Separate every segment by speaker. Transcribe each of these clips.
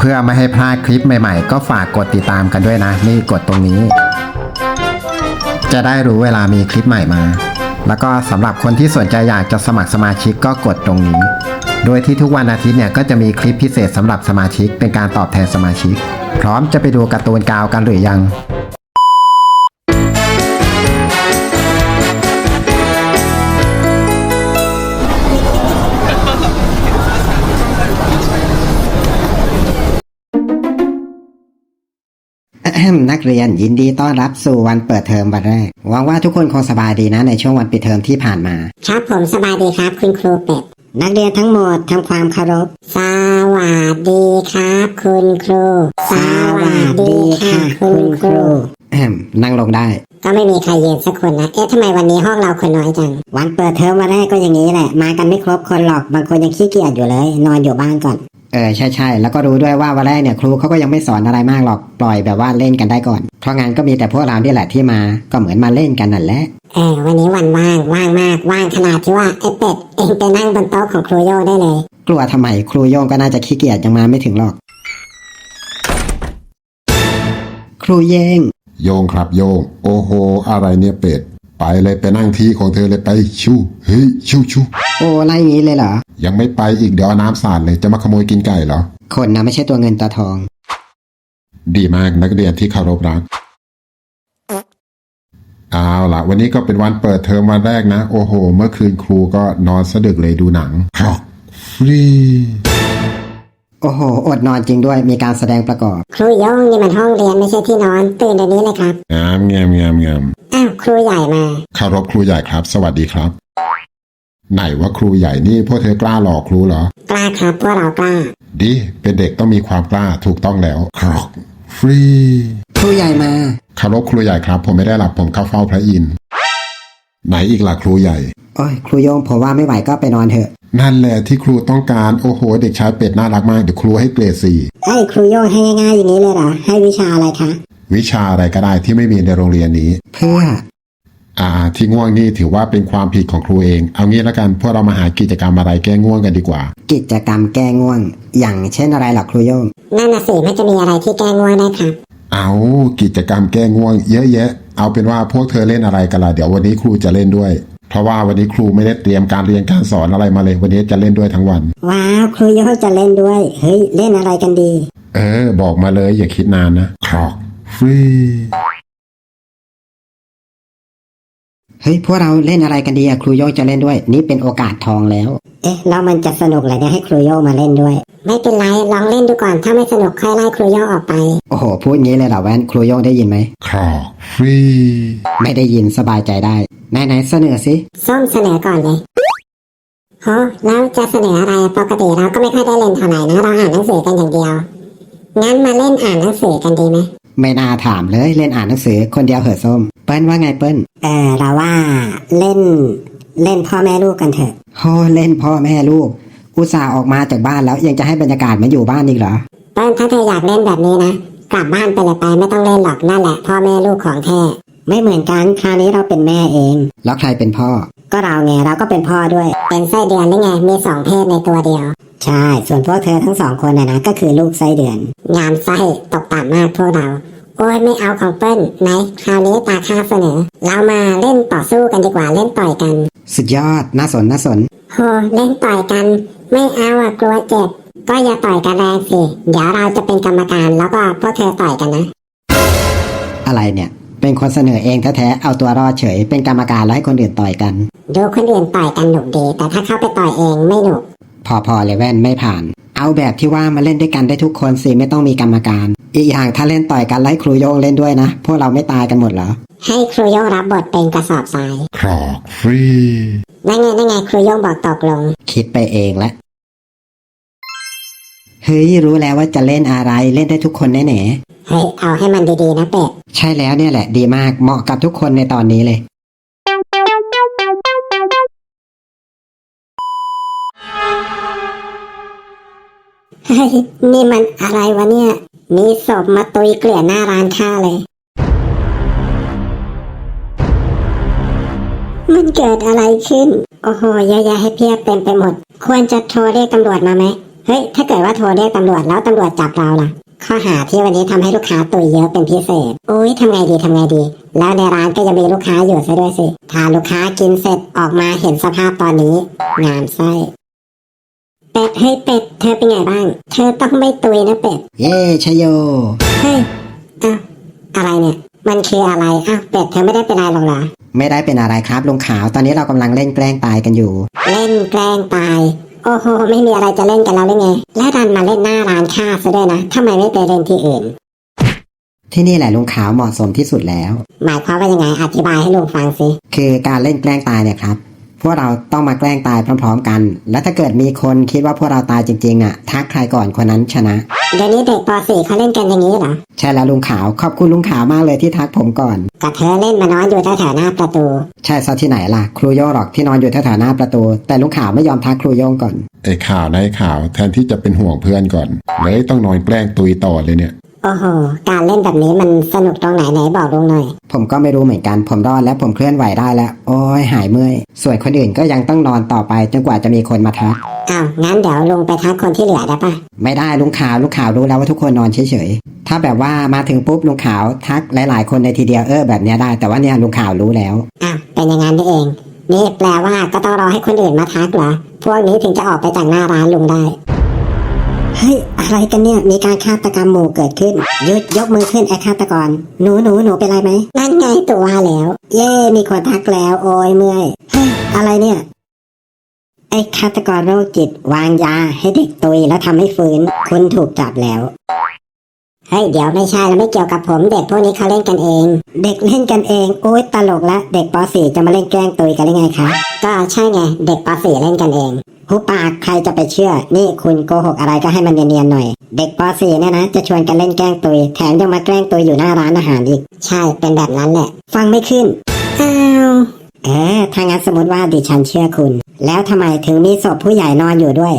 Speaker 1: เพื่อไม่ให้พลาดคลิปใหม่ๆก็ฝากกดติดตามกันด้วยนะนี่กดตรงนี้จะได้รู้เวลามีคลิปใหม่มาแล้วก็สำหรับคนที่สนใจอยากจะสมัครสมาชิกก็กดตรงนี้โดยที่ทุกวันอาทิตย์เนี่ยก็จะมีคลิปพิเศษสำหรับสมาชิกเป็นการตอบแทนสมาชิกพร้อมจะไปดูการ์ตูนกาวกันหรือยังนักเรียนยินดีต้อนรับสู่วันเปิดเทอมวันแรกหวังว่าทุกคนคงสบายดีนะในช่วงวันปิดเทอมที่ผ่านมา
Speaker 2: ครับผมสบายดีครับคุณครูเป็ดนักเรียนทั้งหมดทำความเคารพสวัสดีครับคุณครูสวัสดีค่ะคุณครู
Speaker 1: นั่งลงได้
Speaker 2: ก็ไม่มีใครยืนสักคนนะทำไมวันนี้ห้องเราคนน้อยจังวันเปิดเทอมวันแรกก็อย่างนี้แหละมากันไม่ครบคนหรอกบางคนยังขี้เกียจอยู่เลยนอนอยู่บ้านก่อน
Speaker 1: ใช่แล้วก็รู้ด้วยว่าวันแรกเนี่ยครูเขาก็ยังไม่สอนอะไรมากหรอกปล่อยแบบว่าเล่นกันได้ก่อนเพราะงั้นก็มีแต่พวกเราที่แหละที่มาก็เหมือนมาเล่นกันนั่นแหละ
Speaker 2: วันนี้วันว่างมากว่างขนาดที่ว่าไอ้เป็ดเองไปนั่งบนโต๊ะของครูโย่ได้เลย
Speaker 1: กลัวทำไมครูโย่งก็น่าจะขี้เกียจยังมาไม่ถึงหรอกครูเย่ง
Speaker 3: โยงครับโยงโอ้โหอะไรเนี่ยเป็ดไปเลยไปนั่งที่ของเธอเลยไปชูเฮ้ยชู
Speaker 1: โอ้ไล่งี้เลยเหรอ
Speaker 3: ยังไม่ไปอีกเดี๋ยวน้ำสาดเลยจะมาขโมยกินไก่เหรอ
Speaker 1: คนนะไม่ใช่ตัวเงินตัวทอง
Speaker 3: ดีมากนักเรียนที่เคารพรักเอาล่ะวันนี้ก็เป็นวันเปิดเทอมวันแรกนะโอ้โหเมื่อคืนครูก็นอนสะดึกเลยดูหนังครับฟรี
Speaker 1: โอ้โหอดนอนจริงด้วยมีการแสดงประกอบ
Speaker 2: ครูโย่งนี่มันห้องเรียนไม่ใช่ที่นอนตื่นเดี๋ยวนี้เลยครับ
Speaker 3: งาม
Speaker 2: อ้าวครูใหญ่มา
Speaker 3: เคารพครูใหญ่ครับสวัสดีครับไหนว่าครูใหญ่นี่พวกเธอกล้าหลอกครูเหร
Speaker 2: อกล้าครับพวกเรากล้า
Speaker 3: ดีเป็นเด็กต้องมีความกล้าถูกต้องแล้วครับฟรี
Speaker 1: ครูใหญ่มา
Speaker 3: เคารพครูใหญ่ครับผมไม่ได้หลับผมเข้าเฝ้าพระอินทร์ไหนอีกล่ะครูใหญ่
Speaker 1: โอ้ยครูโยงผมว่าไม่ไหวก็ไปนอนเถอะ
Speaker 3: นั่นแหละที่ครูต้องการโอ้โหเด็กชายเป็ดน่ารักมากเดี๋ยวครูให้เกรด4
Speaker 2: ครูโยงให้ง่ายๆอย่างนี้เลยเหรอให้วิชาอะไรคะ
Speaker 3: วิชาอะไรก็ได้ที่ไม่มีในโรงเรียนนี้
Speaker 1: เพื่อ
Speaker 3: ที่ง่วงนี่ถือว่าเป็นความผิดของครูเองเอางี้แล้วกันพวกเรามาหากิจกรรมอะไรแก้ง่วงกันดีกว่า
Speaker 1: กิจกรรมแก้ง่วงอย่างเช่นอะไรหรอครูโยง
Speaker 2: นั่นน่ะสิมันจะมีอะไรที่แก้ง่วงได้ครับ
Speaker 3: เอากิจกรรมแก้ง่วงเยอะแยะเอาเป็นว่าพวกเธอเล่นอะไรกันล่ะเดี๋ยววันนี้ครูจะเล่นด้วยเพราะว่าวันนี้ครูไม่ได้เตรียมการเรียนการสอนอะไรมาเลยวันนี้จะเล่นด้วยทั้งวัน
Speaker 2: ว้าวครูโยงจะเล่นด้วยเฮ้ยเล่นอะไรกันดี
Speaker 3: บอกมาเลยอย่าคิดนานนะครอกฟรี
Speaker 1: เฮ้ยพวกเราเล่นอะไรกันดีครูโยงจะเล่นด้วยนี่เป็นโอกาสทองแล้ว
Speaker 2: แล้วมันจะสนุกเลยเนี่ยให้ครูโยงมาเล่นด้วยไม่เป็นไรลองเล่นดูก่อนถ้าไม่สนุกค่อยไล่ครูโยงออกไป
Speaker 1: โอ้โหพูดงี้เลยเหรอแว่นครูโยงได้ยินไหม
Speaker 3: ครอกฟรี
Speaker 1: ไม่ได้ยินสบายใจได้ไหนเสนอสิ
Speaker 2: ส้มเสนอก่อนเลยโหแล้วจะเสนออะไรปกติเราก็ไม่ค่อยได้เล่นเท่าไหร่นะเราอ่านหนังสือกันอย่างเดียวงั้นมาเล่นอ่านหนังสือกันดีไหม
Speaker 1: ไม่น่าถามเลยเล่นอ่านหนังสือคนเดียวเหอะส้มเปิ้ลว่าไงเปิ้ล
Speaker 2: เราว่าเล่นพ่อแม่ลูกกันเถอะ
Speaker 1: โหเล่นพ่อแม่ลูกอุตส่าห์ออกมาจากบ้านแล้วยังจะให้บรรยากาศมาอยู่บ้านอีกเหรอ
Speaker 2: เปิ้ลถ้าเธออยากเล่นแบบนี้นะกลับบ้านไปเลยไปไม่ต้องเล่นหรอกนั่นแหละพ่อแม่ลูกของแท้ไม่เหมือนกันคราวนี้เราเป็นแม่เอง
Speaker 1: แล้วใครเป็นพ่อ
Speaker 2: ก็เราไงเราก็เป็นพ่อด้วยเป็นไส้เดือนได้ไงมี2เพศในตัวเดียวใช่ส่วนพวกเธอทั้ง2คนนะก็คือลูกไส้เดือนงามไส้ตกต่ำมากพวกเราโอ้ยไม่เอาของเปิ้ลไหนคราวนี้ตาข้าเสนอเรามาเล่นต่อสู้กันดีกว่าเล่นต่อยกัน
Speaker 1: สุดยอดน่าสน
Speaker 2: โหเล่นต่อยกันไม่เอากลัวเจ็บก็อย่าต่อยกันแรงสิเดี๋ยวเราจะเป็นกรรมการแล้วก็พวกเธอต่อยกันนะ
Speaker 1: อะไรเนี่ยเป็นคนเสนอเองแท้ๆเอาตัวรอดเฉยเป็นกรรมการแล้วให้คนอื่นต่อยกัน
Speaker 2: ดูคนอื่นต่อยกันหนุกดีแต่ถ้าเข้าไปต่อยเองไม่หนุก
Speaker 1: พอเลยแว่นไม่ผ่านเอาแบบที่ว่ามาเล่นด้วยกันได้ทุกคนสิไม่ต้องมีกรรมการอีกอย่างถ้าเล่นต่อยกันไล่ครูโยงเล่นด้วยนะพวกเราไม่ตายกันหมดเหรอ
Speaker 2: ให้ครูโยงรับบทเป็นกระสอบทราย
Speaker 3: ครอกฟรี
Speaker 2: นั่นไงครูโยงบอกตกลง
Speaker 1: คิดไปเองละเฮ้ยรู้แล้วว่าจะเล่นอะไรเล่นได้ทุกคนแน่
Speaker 2: ๆเฮ้ยเอาให้มันดีๆนะเป็ด
Speaker 1: ใช่แล้วเนี่ยแหละดีมากเหมาะกับทุกคนในตอนนี้เลย
Speaker 2: เฮ้ยนี่มันอะไรวะเนี่ยมีศพมาตุยเกลื่อนหน้าร้านข้าเลยมันเกิดอะไรขึ้นโอ้โหเยอะแยะให้เพียบเต็มไปหมดควรจะโทรเรียกตำรวจมาไหมเฮ้ยถ้าเกิดว่าโทรเรียกตำรวจแล้วตำรวจจับเราล่ะข้อหาที่วันนี้ทำให้ลูกค้าตุยเยอะเป็นพิเศษอุ้ยทำไงดีแล้วในร้านก็จะมีลูกค้าอยู่ซะด้วยสิถ้าลูกค้ากินเสร็จออกมาเห็นสภาพตอนนี้งามไส้เป็ดเฮ้ยเป็ดเธอเป็นไงบ้างเธอต้องไม่ตุยนะเป็ด
Speaker 1: เย่ชโย
Speaker 2: เฮ้ยอ้าวอะไรเนี่ยมันคืออะไรอ้าวเป็ดเธอไม่ได้เป็นอะไรหรอกเหรอ
Speaker 1: ไม่ได้เป็นอะไรครับลุงขาวตอนนี้เรากำลังเล่นแกล้งตายกันอยู่
Speaker 2: เล่นแกล้งตายโอ้โหไม่มีอะไรจะเล่นกันแล้วหรือไงแล้วดันมาเล่นหน้าร้านค้าซะด้วยนะทำไมไม่ไปเล่นที่อื่น
Speaker 1: ที่นี่แหละลุงขาวเหมาะสมที่สุดแล้ว
Speaker 2: หมายความว่ายังไงอธิบายให้ลุงฟังสิ
Speaker 1: คือการเล่นแกล้งตายเนี่ยครับพวกเราต้องมาแกล้งตายพร้อมๆกัน และถ้าเกิดมีคนคิดว่าพวกเราตายจริงๆอ่ะทักใครก่อนคนนั้นชนะ
Speaker 2: เดี๋ยวนี้เด็กป .4 เขาเล่นกันอย่างนี้เหรอ
Speaker 1: ใช่แล้วลุงขาวขอบคุณลุงขาวมากเลยที่ทักผมก่อน
Speaker 2: กับเธอเล่นมานอนอยู่แถวๆหน้าประตู
Speaker 1: ใช่ซะที่ไหนล่ะครูโย่งหรอกที่นอนอยู่แถวๆหน้าประตู แต่ลุงขาวไม่ยอมทักครูโย่งก่อน
Speaker 3: ไอ้ข่าวนะไอ้ข่าวแทนที่จะเป็นห่วงเพื่อนก่อนเลยต้องนอนแกล้งตุยต่อเลยเนี่ย
Speaker 2: โอ้โหการเล่นแบบนี้มันสนุกตรงไหนบอกลุงหน่อย
Speaker 1: ผมก็ไม่รู้เหมือนกันผมรอดแล้วผมเคลื่อนไหวได้แล้ว โอ้ยหายเมื่อยส่วนคนอื่นก็ยังต้องนอนต่อไปจนกว่าจะมีคนมาทัก
Speaker 2: อ้าวงั้นเดี๋ยวลุงไปทักคนที่เหลือได้ปะ
Speaker 1: ไม่ได้ลุงขาวรู้แล้วว่าทุกคนนอนเฉยๆถ้าแบบว่ามาถึงปุ๊บลุงขาวทักหลายๆคนในทีเดียวแบบเนี้ยได้แต่ว่าเนี่ยลุงขาวรู้แล้ว
Speaker 2: อ้าวเป็นอย่างนั้นนี่เองนี่แปลว่าก็ต้องรอให้คนอื่นมาทักเหรอพวกนี้ถึงจะออกไปจากหน้าร้านลุงได้เฮ้ยอะไรกันเนี่ยมีการฆาตกรรมหมู่เกิดขึ้นยุดยกมือขึ้นไอ้ฆาตกรหนูเป็นไรไหมนั่นไงตัวว่าแล้ว เย่มีคนทักแล้วโอ้ยเมื่อยเฮ้ยอะไรเนี่ยไอ้ฆาตกรโรคจิตวางยาให้เด็กตุยแล้วทำให้ฟื้นคุณถูกจับแล้วเฮ้ยเดี๋ยวไม่ใช่แล้วไม่เกี่ยวกับผมเด็กพวกนี้เขาเล่นกันเองเด็กเล่นกันเองโอ๊ยตลกละเด็กป .4 จะมาเล่นแกล้งตุยกันได้ไงคะก็ใช่ไงเด็กป .4 เล่นกันเองหูปากใครจะไปเชื่อนี่คุณโกหกอะไรก็ให้มันเนียนๆหน่อยเด็กป .4 เนี่ยนะจะชวนกันเล่นแกล้งตุยแถมยังมาแกล้งตุยอยู่หน้าร้านอาหารอีกใช่เป็นแบบนั้นแหละฟังไม่ขึ้นอ้าวถ้างั้นสมมติว่าดิฉันเชื่อคุณแล้วทำไมถึงมีศพผู้ใหญ่นอนอยู่ด้วย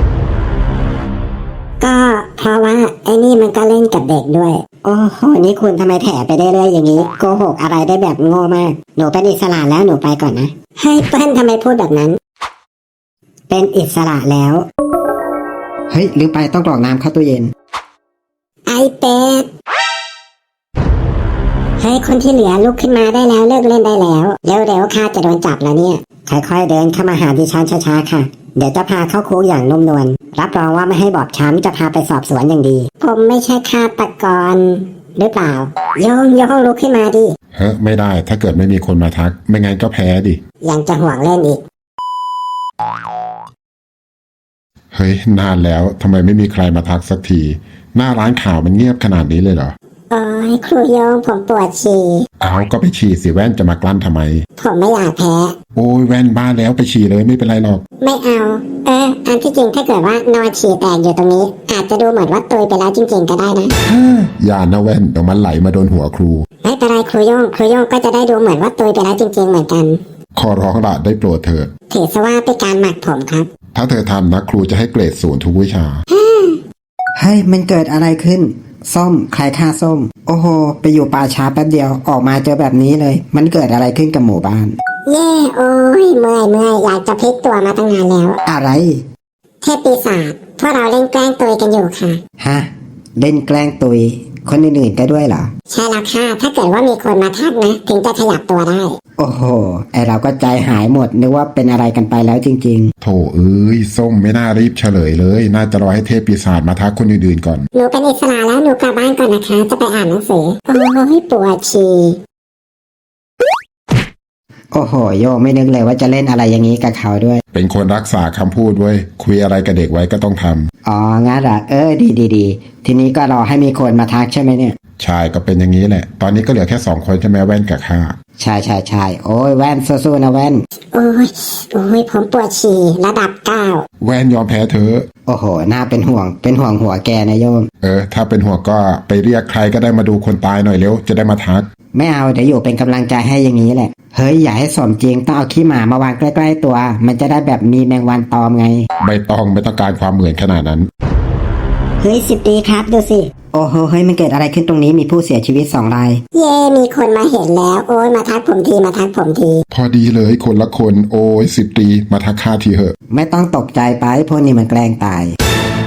Speaker 2: ก็เพราะว่าไอ้นี่มันก็เล่นกับเด็กด้วยโอ้โหนี่คุณทำไมแถไปได้เรื่อยอย่างนี้โกหกอะไรได้แบบโง่มากหนูเป็นอิสระแล้วหนูไปก่อนนะให้เปิ้ลทำไมพูดแบบนั้นเป็นอิสระแล้ว
Speaker 1: เฮ้ยลืมไปต้องกรอกน้ำเข้าตู้เย็น
Speaker 2: ไอเป็ดเฮ้ยคนที่เหลือลุกขึ้นมาได้แล้วเลิกเล่นได้แล้วเร็วๆข้าจะโดนจับแล้วเนี่ยค่อยๆเดินเข้ามาหาดิฉันช้าๆค่ะเดี๋ยวจะพาเข้าคุกอย่างนุ่มนวลรับรองว่าไม่ให้บอบช้ำจะพาไปสอบสวนอย่างดีผมไม่ใช่ฆาตกรหรือเปล่าโยงลุกขึ้นมาดิ
Speaker 3: เฮ้ยไม่ได้ถ้าเกิดไม่มีคนมาทักไม่งั้นก็แพ้ดิ
Speaker 2: ยังจะห่วงเล่นอีก
Speaker 3: เฮ้ยนานแล้วทำไมไม่มีใครมาทักสักทีหน้าร้านข่าวมันเงียบขนาดนี้เลยเหรอ
Speaker 2: โอ้ยครูโยงผมปวดฉี่
Speaker 3: เอาก็ไปฉี่สิแว่นจะมากลั้นทำไม
Speaker 2: ผมไม่อยากแพ้
Speaker 3: โอ้ยแว่นบ้าแล้วไปฉี่เลยไม่เป็นไรหรอก
Speaker 2: ไม่เอาอันที่จริงถ้าเกิดว่านอนฉี่แตกอยู่ตรงนี้ อาจจะดูเหมือนว่าตุยไปแล้วจริงๆก็ได้นะ
Speaker 3: อย่านะแว่นเดี๋ยวมันไหลมาโดนหัวครู
Speaker 2: ไม่เป็นไรครูโยงก็จะได้ดูเหมือนว่าตุยไปแล้วจริงๆเหมือนกัน
Speaker 3: ขอร้องละได้โปรดเถิด
Speaker 2: ถือซะว่าเป็นการหมักผมครับ
Speaker 3: ถ้าเธอทำนะครูจะให้เกรด0ทุกวิชา
Speaker 1: เฮ้ยมันเกิดอะไรขึ้นส้มใครฆ่าส้มโอ้โหไปอยู่ป่าช้าแป๊บเดียวออกมาเจอแบบนี้เลยมันเกิดอะไรขึ้นกับหมู่บ้าน
Speaker 2: เย่โอ้ยเมื่อยอยากจะพลิกตัวมาตั้งนานแล้ว
Speaker 1: อะไร
Speaker 2: เทพปีศาจพวกเราเล่นแกล้งตุยกันอยู่ค่ะ
Speaker 1: ฮะเล่นแกล้งตุยคนอื่นๆก็ด้วยเหรอ
Speaker 2: ใช่แล้วค่ะถ้าเกิดว่ามีคนมาทักนะถึงจะขยับตัวได้
Speaker 1: โอ้โหไอเราก็ใจหายหมดนึกว่าเป็นอะไรกันไปแล้วจริง
Speaker 3: โถเอ้ยส้มไม่น่ารีบเฉลยเลย น่าจะรอให้เทพปีศาจมาทักคนอื่นๆก่อน
Speaker 2: หนูเป็นอิสระแล้วหนูกลับบ้านก่อนนะคะ จะไปอ่านหนังสือโอ้ยปวดฉี่
Speaker 1: ๆโอ้โหโยไม่นึกเลยว่าจะเล่นอะไรอย่างนี้กับเขาด้วย
Speaker 3: เป็นคนรักษาคำพูดเว้ยคุยอะไรกับเด็กไว้ก็ต้องทำ
Speaker 1: อ๋องั้นเหรอดีทีนี้ก็รอให้มีคนมาทักใช่ไหมเนี่ย
Speaker 3: ใช่ก็เป็นอย่างนี้แหละ ตอนนี้ก็เหลือแค่2คนใช่ไหมแว่นกับข้า
Speaker 1: ใช่โอ้ยแว่นสู้ๆนะแว่น
Speaker 2: โอ้ยผมปวดฉี่ระดับ9
Speaker 3: แว่นยอมแพ้เธอะ
Speaker 1: โอ้โหน่าเป็นห่วงหัวแกนะโยม
Speaker 3: ถ้าเป็นห่วงก็ไปเรียกใครก็ได้มาดูคนตายหน่อยเร็วจะได้มาทัก
Speaker 1: ไม่เอาเดี๋ยวอยู่เป็นกำลังใจให้อย่างนี้แหละเฮ้ยอย่าให้สมจริงต้องเอาขี้หมามาวางใกล้ๆตัว มันจะได้แบบมีแมงวันตอมไง
Speaker 3: ไม่ต้องการความเหมือนขนาดนั้น
Speaker 2: เฮ้ย10 ดีครับดูสิ
Speaker 1: โอ้โหเฮ้ยมันเกิดอะไรขึ้นตรงนี้มีผู้เสียชีวิต2 ราย
Speaker 2: เย่มีคนมาเห็นแล้วโอ้ยมาทักผมที
Speaker 3: พอดีเลยคนละคนโอ้ย10 ตีมาทักข้าทีเหอะ
Speaker 1: ไม่ต้องตกใจไปพวกนี้มันแกล้งตาย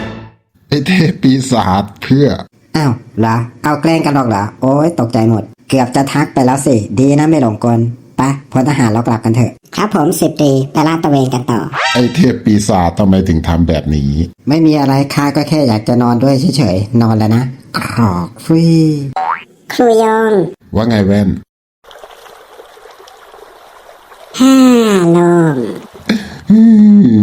Speaker 3: ไอ้เทพปีศาจเพื่อ
Speaker 4: อ้าวเหรอเอาแกล้งกันหรอกเหรอโอ้ยตกใจหมด เกือบจะทักไปแล้วสิ ดีนะไม่หลงกลไปพลทหารเรากลับกันเถอะ
Speaker 2: ครับผม10 ตรีไปลาดตระเวนกันต่อ
Speaker 3: ไอ้เทพปีศาจทำไมถึงทำแบบนี้
Speaker 4: ไม่มีอะไรข้าก็แค่อยากจะนอนด้วยเฉยๆนอนแล้วนะกรอกฟรี
Speaker 2: ครูโยง
Speaker 3: ว่าไงแว่น
Speaker 2: โล่ง
Speaker 3: อืม